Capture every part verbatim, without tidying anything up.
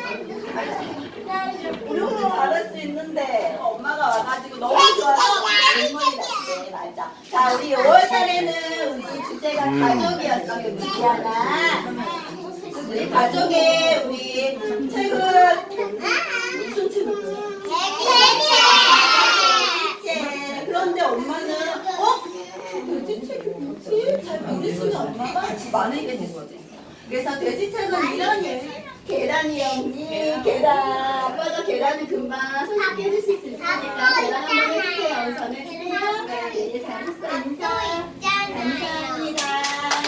우리 오늘 잘할 수 있는데 엄마가 와가지고 너무 좋아서 눈물이 났대. 맞아. 자, 우리 오월 달에는 우리 주제가 음. 가족이었어요. 우리 지아나. 우리 가족의 우리 책은 무슨 책이에요? 네. 그런데 엄마는 어? 돼지책이 뭐지? 잘 모르시는 엄마가 많은 게 됐어요. 그래서 돼지책은 이런 예 계란이 언니 계란 아빠가 계란을 금방 손쉽게 해주실 수 있으니까 계란 한번 해주세요. 우선 해주세요. 네, 잘했어. 인사 감사합니다.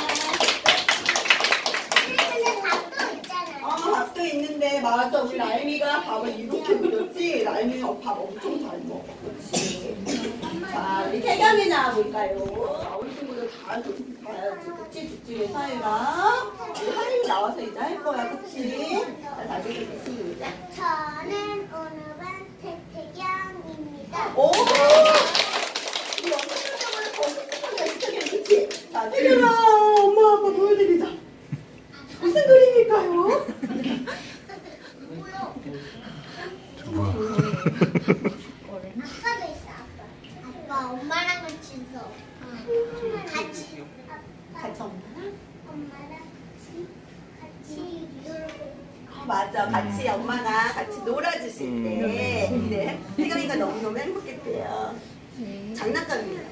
어, 밥도 있는데 맞아. 우리 라임이가 밥을 이렇게 그렸지. 라임이 밥 엄청 잘 먹어. 그렇지. 자, 우리 태경이 나와볼까요? 우리 친구들 다 봐야지. 그치? 두찌개 사이랑 우리 하림이 나와서 이제 할 거야. 그치? 자, 다시 시작. 저는 오늘은 태태경입니다. 오! 우리 엄청 깜짝을 거짓말이야. 태경, 그치? 자, 태경아, 엄마, 아빠 보여드리자. 무슨 그림일까요? 뭐요? 뭐야? 아빠도 있어, 아빠. 아빠 엄마랑 같이 있어. 같이. 같이 엄마랑? 엄마랑 같이 같이 놀고. 어, 맞아. 같이 엄마가 같이 놀아주실 때. 네. 태경이가 너무너무 행복했대요. 장난감이에요.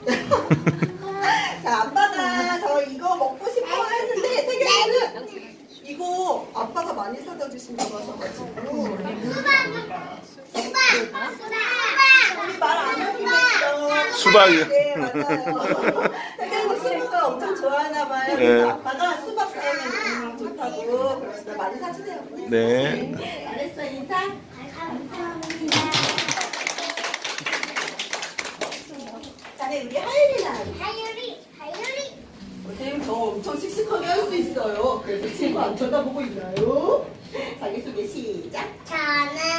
자, 아빠가 저 이거 먹고 싶어 했는데 태경이는 이거 아빠가 많이 사다 주신다고 하셔가지고 수박! 수박! 수박! 우리 말 안 하기로 했어. 수박이요? 네, 맞아요. 태경이가 수박을 엄청 좋아하나 봐요. 그래서 네. 아빠가 수박 사오면 좋다고 그래서 많이 사주세요. 네. 잘했어. 인사. 감사합니다. 자네 우리 하율이 나와요. 하율이! 하율이! 선생님 저 엄청 씩씩하게 할 수 있어요. 그래서 친구 안 쳐다보고 있나요? 자기소개 시작. 저는